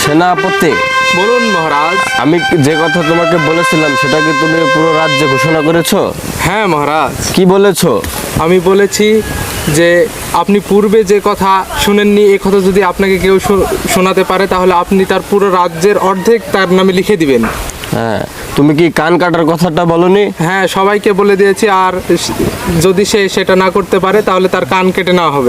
সেনাপতি, বলুন মহারাজ। আমি যে কথা তোমাকে বলেছিলাম সেটা কি তুমি পুরো রাজ্যে ঘোষণা করেছো? হ্যাঁ মহারাজ, কি বলেছো? আমি বলেছি যে আপনি পূর্বে যে কথা শুনেননি এই কথা যদি আপনাকে কেউ শোনাতে পারে তাহলে আপনি তার পুরো রাজ্যের অর্ধেক তার নামে লিখে দিবেন। হ্যাঁ, তুমি কি কান কাটার কথাটা বলনি? হ্যাঁ, সবাইকে বলে দিয়েছি, আর যদি সে সেটা না করতে পারে তাহলে তার কান কেটে নেওয়া হবে।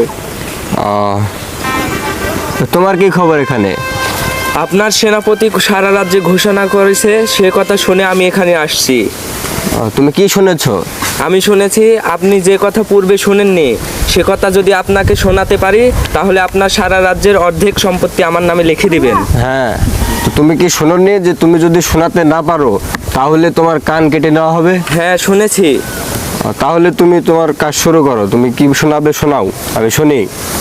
তোমার কি খবর এখানে? আপনার সেনাপতি সারা রাজ্যে ঘোষণা করেছে, সে কথা শুনে আমি এখানে আসছি। তুমি কি শুনেছো? আমি শুনেছি আপনি যে কথা পূর্বে শুনেননি সে কথা যদি আপনাকে শোনাতে পারি তাহলে আপনার সারা রাজ্যের অর্ধেক সম্পত্তি আমার নামে লিখে দিবেন। হ্যাঁ, তো তুমি কি শোনোনি যে তুমি যদি শোনাতে না পারো তাহলে তোমার কান কেটে নেওয়া হবে? হ্যাঁ শুনেছি। তাহলে তুমি তোমার কাজ শুরু করো, তুমি কি শোনাবে শোনাও, আমি শুনি।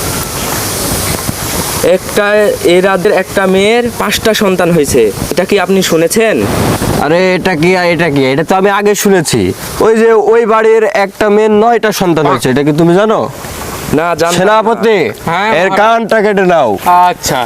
এই রাজ্যের একটা মেয়ের 5টা সন্তান হয়েছে, এটা কি আপনি শুনেছেন? আরে এটা কি এটা তো আমি আগে শুনেছি। ওই যে ওই বাড়ির একটা মেয়ের 9টা সন্তান হয়েছে, এটা কি তুমি জানো? না জানতাম না। সেনাপতি, হ্যাঁ, এর কানটা কেটে নাও। আচ্ছা।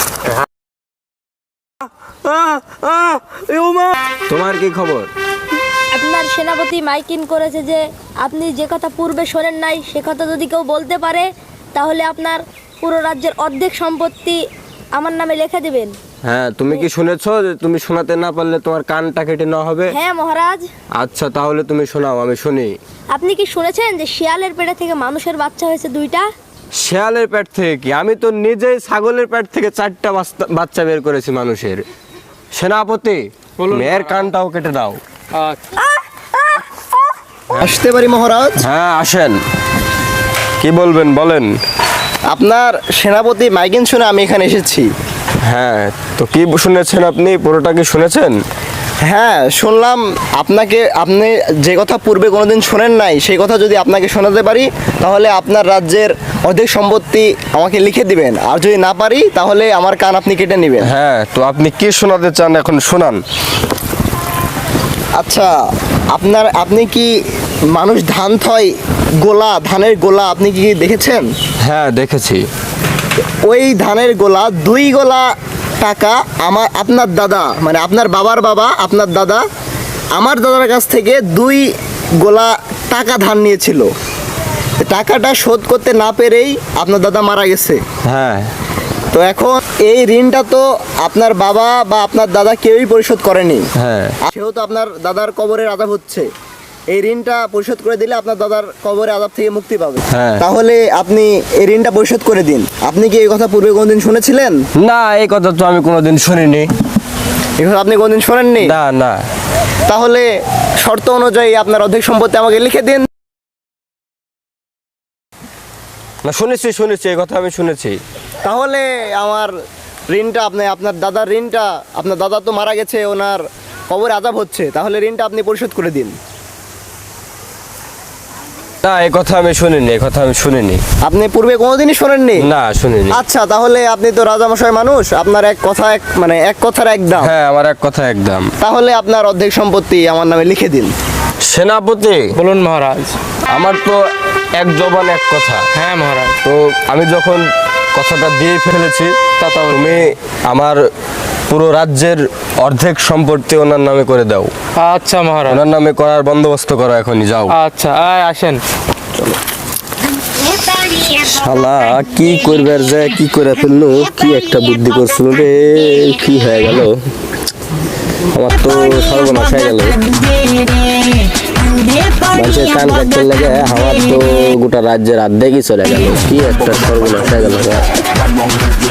তোমার কি খবর? আপনার সেনাপতি মাইকিং করেছে যে আপনি যে কথা পূর্বে শোনেন নাই সে কথা যদি কেউ বলতে পারে তাহলে আপনার পুরো রাজ্যের অর্ধেক সম্পত্তি আমার নামে লিখে দেবেন। হ্যাঁ, তুমি কি শুনেছো যে তুমি শোনাতে না পারলে তোমার কানটা কেটে নেওয়া হবে? হ্যাঁ মহারাজ। আচ্ছা, তাহলে তুমি শোনাও, আমি শুনি। আপনি কি শুনেছেন যে শিয়ালের পেটে থেকে মানুষের বাচ্চা হয়েছে 2টা? শিয়ালের পেট থেকে কি? আমি তো নিজেই ছাগলের পেট থেকে 4টা বাচ্চা বের করেছি মানুষের। সেনাপতি, বলুন। মেয়ের কানটাও কেটে দাও। আচ্ছা। আসতে পারি মহারাজ? হ্যাঁ আসেন, কি বলবেন বলেন। আপনার সেনাপতি মাইকিং শুনে আমি এখানে এসেছি। হ্যাঁ, তো কি শুনেছেন আপনি? পুরোটা কি শুনেছেন? হ্যাঁ শুনলাম, আপনি যে কথা পূর্বে কোনোদিন শোনেন নাই সেই কথা যদি আপনাকে শোনাতে পারি তাহলে আপনার রাজ্যের অর্ধেক সম্পত্তি আমাকে লিখে দিবেন, আর যদি না পারি তাহলে আমার কান আপনি কেটে নেবেন। হ্যাঁ, তো আপনি কি শোনাতে চান এখন শোনান। আচ্ছা, আপনি কি মানুষ ধান থয় ধানের গোলা আপনি কি দেখেছেন? হ্যাঁ দেখেছি। ওই ধানের গোলা 2 গোলা টাকা আপনার দাদা, মানে আপনার বাবার বাবা, আপনার দাদা আমার দাদার কাছ থেকে 2 গোলা টাকা ধার নিয়েছিল। টাকাটা শোধ করতে না পেরেই আপনার দাদা মারা গেছে। হ্যাঁ, তো এখন এই ঋণটা তো আপনার বাবা বা আপনার দাদা কেউই পরিশোধ করেনি। হ্যাঁ। সেহেতু আপনার দাদার কবরের আযাব হচ্ছে। এই ঋণটা পরিশোধ করে দিলে আপনার দাদার কবরের আযাব থেকে মুক্তি পাবে। হ্যাঁ। তাহলে আপনি এই ঋণটা পরিশোধ করে দিন। আপনি কি এই কথা পূর্বে কোনোদিন শুনেছিলেন? না, এই কথা তো আমি কোনোদিন শুনিনি। এই কথা আপনি কোনোদিন শোনেননি? না না। তাহলে শর্ত অনুযায়ী আপনার অর্ধেক সম্পত্তি আমাকে লিখে দিন। না, শুনেছি, এই কথা আমি শুনেছি। তাহলে আমার ঋণটা আপনার দাদার ঋণটা, আপনার দাদা তো মারা গেছে, ওনার কবরে আযাব হচ্ছে, তাহলে ঋণটা আপনি পরিশোধ করে দিন। না, এই কথা আমি শুনিনি। আপনি পূর্বে কোনোদিনই শোনেননি? না, শুনিনি। আচ্ছা, তাহলে আপনি তো রাজামশাই মানুষ, আপনার এক কথার এক দাম। হ্যাঁ, আমার এক কথা একদম। তাহলে আপনার অর্ধেক সম্পত্তি আমার নামে লিখে দিন। সেনাপতি, বলুন মহারাজ। আমার তো এক জবান এক কথা। হ্যাঁ মহারাজ। তো আমি যখন কথাটা দিয়ে ফেলেছি তুমি আমার পুরো রাজ্যের অর্ধেক সম্পত্তি ওনার নামে করে দাও। আচ্ছা মহারাজ। ওনার নামে করার বন্দোবস্ত করো, এখনই যাও। আচ্ছা, আসেন। শালা কি করবে যে কি করে ফেললো, কি একটা বুদ্ধি করছিল রে, কি হয়ে গেল, আমার তো সর্বনাশ হয়ে গেল। মানুষের কান কাটতে লাগে, আমার তো গোটা রাজ্যের অর্ধেকই চলে গেল, কি একটা সর্বনাশ হয়ে গেল।